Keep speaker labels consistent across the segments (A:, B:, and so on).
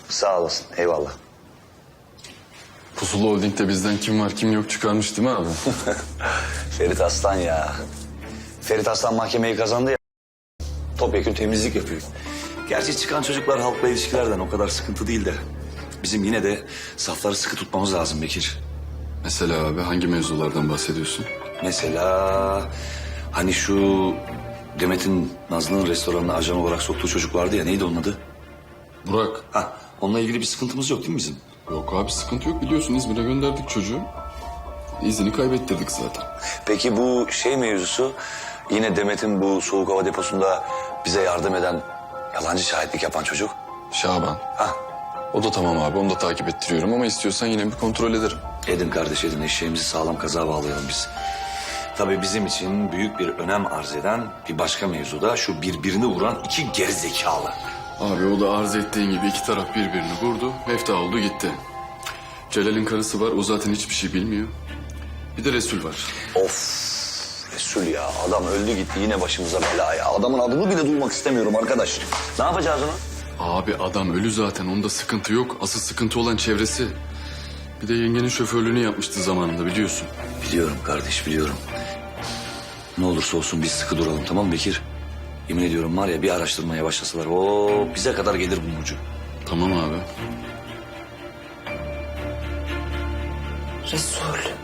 A: Sağ olasın, eyvallah.
B: Pusula Holding'de bizden kim var kim yok çıkarmış değil mi abi?
A: Ferit Aslan ya. Ferit Aslan mahkemeyi kazandı ya. Topyekün temizlik yapıyor. Gerçi çıkan çocuklar halkla ilişkilerden o kadar sıkıntı değil de. Bizim yine de safları sıkı tutmamız lazım Bekir.
B: Mesela abi hangi mevzulardan bahsediyorsun?
A: Mesela hani şu Demet'in Nazlı'nın restoranına ajan olarak soktuğu çocuk vardı ya, neydi onun adı?
B: Burak.
A: Ha, onunla ilgili bir sıkıntımız yok değil mi bizim?
B: Yok abi sıkıntı yok biliyorsun İzmir'e gönderdik çocuğu. İzini kaybettirdik zaten.
A: Peki bu şey mevzusu, yine Demet'in bu soğuk hava deposunda bize yardım eden, yalancı şahitlik yapan çocuk.
B: Şaban.
A: Ha,
B: O da tamam abi onu da takip ettiriyorum ama istiyorsan yine bir kontrol ederim.
A: edin kardeş edin, eşeğimizi sağlam kazağa bağlayalım biz. Tabii bizim için büyük bir önem arz eden bir başka mevzuda şu birbirini vuran iki gerizekalı.
B: Abi o da arz ettiğin gibi iki taraf birbirini vurdu. Mefta oldu gitti. Celal'in karısı var o zaten hiçbir şey bilmiyor. Bir de Resul var.
A: Of Resul ya, adam öldü gitti yine başımıza bela ya. Adamın adını bile duymak istemiyorum arkadaş. Ne yapacağız onu?
B: Abi adam ölü zaten onda sıkıntı yok. Asıl sıkıntı olan çevresi. Bir de yengenin şoförlüğünü yapmıştı zamanında biliyorsun.
A: Biliyorum kardeş biliyorum. Ne olursa olsun biz sıkı duralım, tamam mı Bekir? Yemin ediyorum var ya, bir araştırmaya başlasalar o bize kadar gelir bunun ucu.
B: Tamam abi.
C: Resul.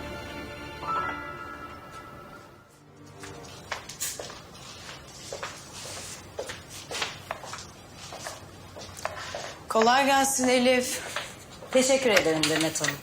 C: Kolay gelsin Elif.
D: Teşekkür ederim Demet Hanım.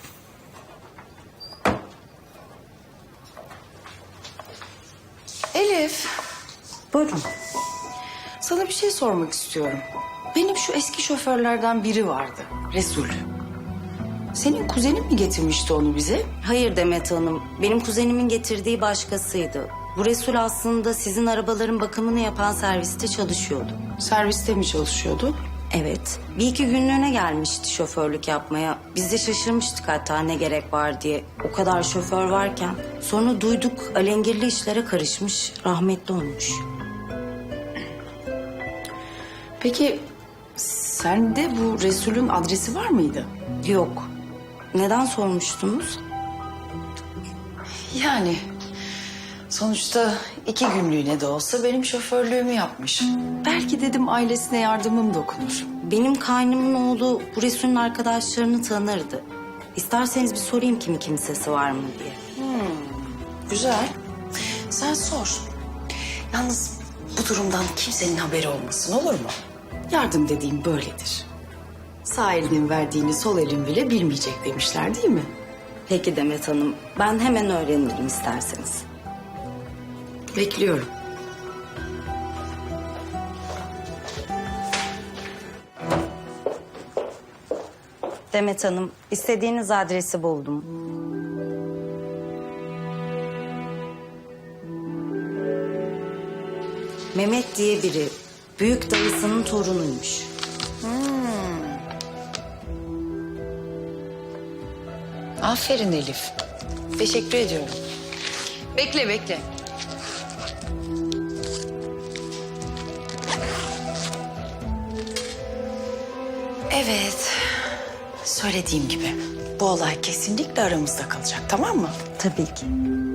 C: Elif,
D: Buyurun.
C: sana bir şey sormak istiyorum. Benim şu eski şoförlerden biri vardı, Resul. Senin kuzenin mi getirmişti onu bize?
D: Hayır Demet Hanım. Benim kuzenimin getirdiği başkasıydı. Bu Resul aslında sizin arabaların bakımını yapan serviste çalışıyordu.
C: Serviste mi çalışıyordu?
D: Evet. Bir iki günlüğüne gelmişti şoförlük yapmaya. Biz de şaşırmıştık hatta ne gerek var diye. O kadar şoför varken. Sonra duyduk alengirli işlere karışmış, rahmetli olmuş.
C: Peki sende bu Resul'ün adresi var mıydı?
D: Yok. Neden sormuştunuz?
C: Yani sonuçta 2 günlüğüne de olsa benim şoförlüğümü yapmış. Belki dedim ailesine yardımım dokunur.
D: Benim kaynımın oğlu bu Resul'ün arkadaşlarını tanırdı. İsterseniz bir sorayım kimi kimsesi var mı diye.
C: Güzel. Sen sor. Yalnız bu durumdan kimsenin haberi olmasın, olur mu? Yardım dediğim böyledir. Sağ elinin verdiğini sol elin bile bilmeyecek demişler değil mi?
D: Peki Demet Hanım, ben hemen öğrenirim isterseniz.
C: Bekliyorum.
D: Demet Hanım, istediğiniz adresi buldum. Mehmet diye biri, büyük dayısının torunuymuş.
C: Aferin Elif. Teşekkür ediyorum. Bekle, bekle. Evet. Söylediğim gibi bu olay kesinlikle aramızda kalacak, tamam mı?
D: Tabii ki.